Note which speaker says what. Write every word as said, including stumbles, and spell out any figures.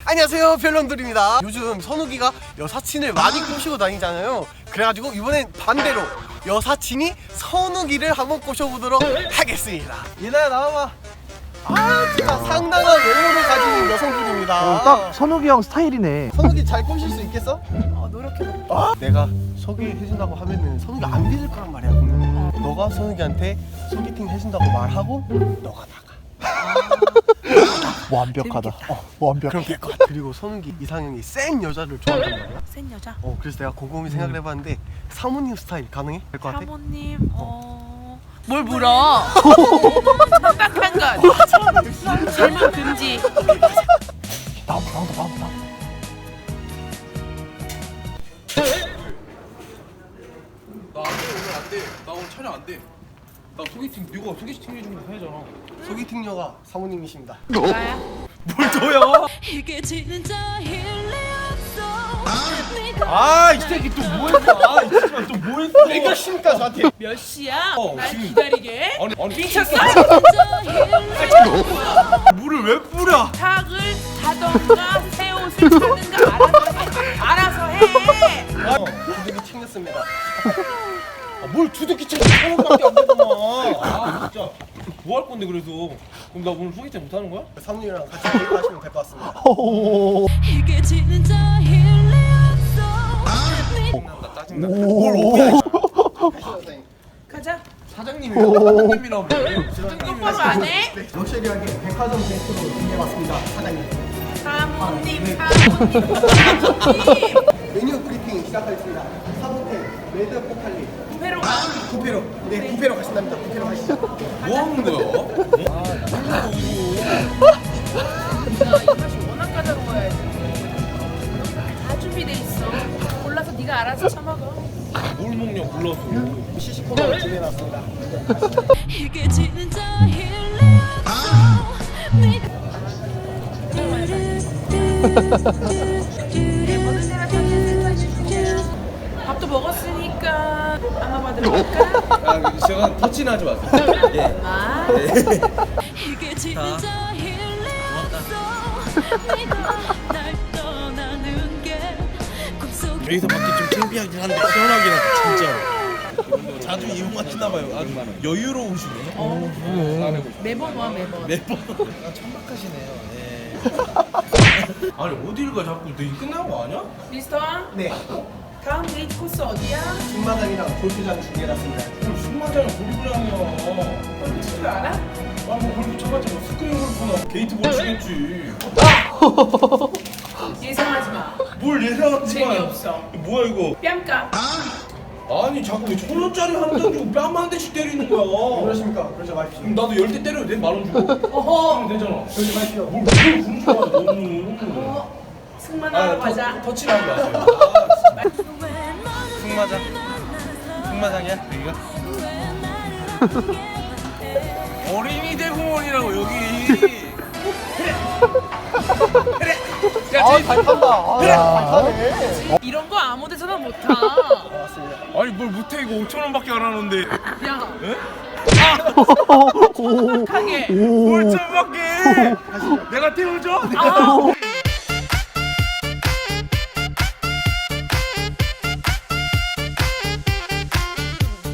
Speaker 1: 안녕하세요, 별놈들입니다. 요즘 선욱이가 여사친을 많이 꼬시고 다니잖아요. 그래가지고 이번엔 반대로 여사친이 선욱이를 한번 꼬셔보도록 하겠습니다. 얘나야 나와봐. 아 진짜 상당한 외모를 가진 여성분입니다.
Speaker 2: 어, 딱 선욱이 형 스타일이네.
Speaker 1: 선욱이 잘 꼬실 수 있겠어? 어, 노력해볼게. 아, 내가 소개해준다고 하면은 선욱이 안 믿을 거란 말이야. 음. 너가 선욱이한테 소개팅 해준다고 말하고 너가 나가.
Speaker 2: 완벽하다. 어, 완벽해.
Speaker 1: 그럼 될 것 같아. 그리고 선욱이 이상형이 센 여자를 좋아한단 말이야.
Speaker 3: 센 여자?
Speaker 1: 어, 그래서 내가 곰곰이 생각을 해봤는데 사모님 스타일 가능해? 될 것 같아?
Speaker 3: 사모님 어... 뭘 물어? 딱한 것 질문 금지.
Speaker 2: 나온다 나온다 나온다.
Speaker 4: 나 안 돼, 오늘 안 돼. 나 오늘 촬영 안 돼. 나 소개팅, 네가 소개팅 해주는 거 해야잖아.
Speaker 1: 소개팅녀가 사모님이십니다.
Speaker 3: 나야?
Speaker 4: 뭘 줘요?
Speaker 5: 이게 진짜 일리 없어.
Speaker 4: 아, 이 새끼 또 뭐 했어? 아, 이 새끼 또 뭐 했어?
Speaker 1: 그러니까 저한테
Speaker 3: 몇 시야?
Speaker 4: 어,
Speaker 3: 날
Speaker 4: 지금-
Speaker 3: 기다리게?
Speaker 4: 아니, 아니.
Speaker 3: 미쳤어?
Speaker 5: 진짜 일리
Speaker 4: 물을 왜 뿌려?
Speaker 3: 탁을 타던가 새 옷을 사는가 알아서 해. 알아서 해.
Speaker 1: 어, 두둑이 챙겼습니다.
Speaker 4: 아, 뭘 주둥기 채 천 원밖에 안 되잖아. 아, 진짜. 뭐 할 건데 그래서? 그럼 나 오늘 소개팅 못 하는 거야?
Speaker 1: 사모님이랑 같이 데이트하시면 될 것 같습니다.
Speaker 5: 이게 진짜 일리 없어.
Speaker 4: 나 짜증나. 뭘 오해?
Speaker 3: 가자.
Speaker 4: 사장님이랑 사장님이랑 사장님이
Speaker 3: 똑바로 안 해?
Speaker 1: 럭셔리하게 백화점 데이트로 준비해봤습니다, 사장님.
Speaker 3: 사모님,
Speaker 4: 네.
Speaker 3: 사모님, 사모님.
Speaker 1: 메뉴 브리핑 시작하겠습니다. 사모텔 레드 포칼리
Speaker 3: 부페로 가.
Speaker 1: 부페로. 네, 부페로 가신답니다. 부페로 가시죠.
Speaker 4: 뭐 하는 거야? 아, 나 이거.
Speaker 3: 이 맛이 워낙 까다로워야지. 다 준비돼 있어. 골라서 네가 알아서 처먹어.
Speaker 4: 뭘 먹냐 골라서.
Speaker 1: 시식 코너를 준비해놨습니다.
Speaker 5: 이게 진짜 일리 없어. 네가
Speaker 3: 모든 데나 천천히 해주세요. 밥도 먹었으니까 아마 받으러 갈까?
Speaker 4: 아, 제가 터치는 하지 마세요. 예.
Speaker 3: 아,
Speaker 5: 이게 진짜 일리 없어. 네가 날 떠나는 게 꿈속
Speaker 4: 여기서 밖에 좀 창피하긴 한데 시원하긴 하다 진짜로. 자주 이용하시나 봐요. 아주 여유로우시네.
Speaker 3: 어. 매번 와 매번.
Speaker 4: 매번. 천박하시네요. 네. 아니 어딜 가 자꾸 되게 끝난 거 아니야?
Speaker 3: 미스터 왕,
Speaker 1: 네,
Speaker 3: 다음 데이트 코스 어디야?
Speaker 1: 승마장이랑 골프장 준비해놨습니다.
Speaker 4: 그럼 승마장이 골프장이야.
Speaker 3: 골프 칠 줄 알아?
Speaker 4: 아뭐 골프 쳐봤자 뭐 스크린 골프나 게이트볼 치겠지.
Speaker 3: 예상하지 마.
Speaker 4: 뭘 예상하지 마.
Speaker 3: 재미없어.
Speaker 4: 뭐야 이거?
Speaker 3: 뺨까.
Speaker 4: 아니 자꾸 왜 천 원짜리 한 장 주고 뺨 한 대씩 때리는 거야.
Speaker 1: 그러십니까? 그러지 마십시오.
Speaker 4: 그럼 나도 열 대 때려도 돼? 만 원 주고?
Speaker 3: 어허.
Speaker 4: 그러면 되잖아.
Speaker 1: 그러지 마십시오.
Speaker 4: 뭘 그걸 부르지 마 너무.
Speaker 3: 어. 승만하러 가자.
Speaker 4: 터치를 하지 마세요. 아, 승마장? 승마장이야? 여기가? 어린이 대공원이라고 여기. 야,
Speaker 1: 아, 잘 탄다. 아, 잘 타네.
Speaker 3: 이런 거 아무 데서나 못 타.
Speaker 1: 맞습니다.
Speaker 4: 아니 뭘 못해 이거 오천 원밖에 안 하는데.
Speaker 3: 야,
Speaker 4: 에?
Speaker 3: 하게.
Speaker 4: 뭘 천밖에? 내가 태워줘?
Speaker 3: 아.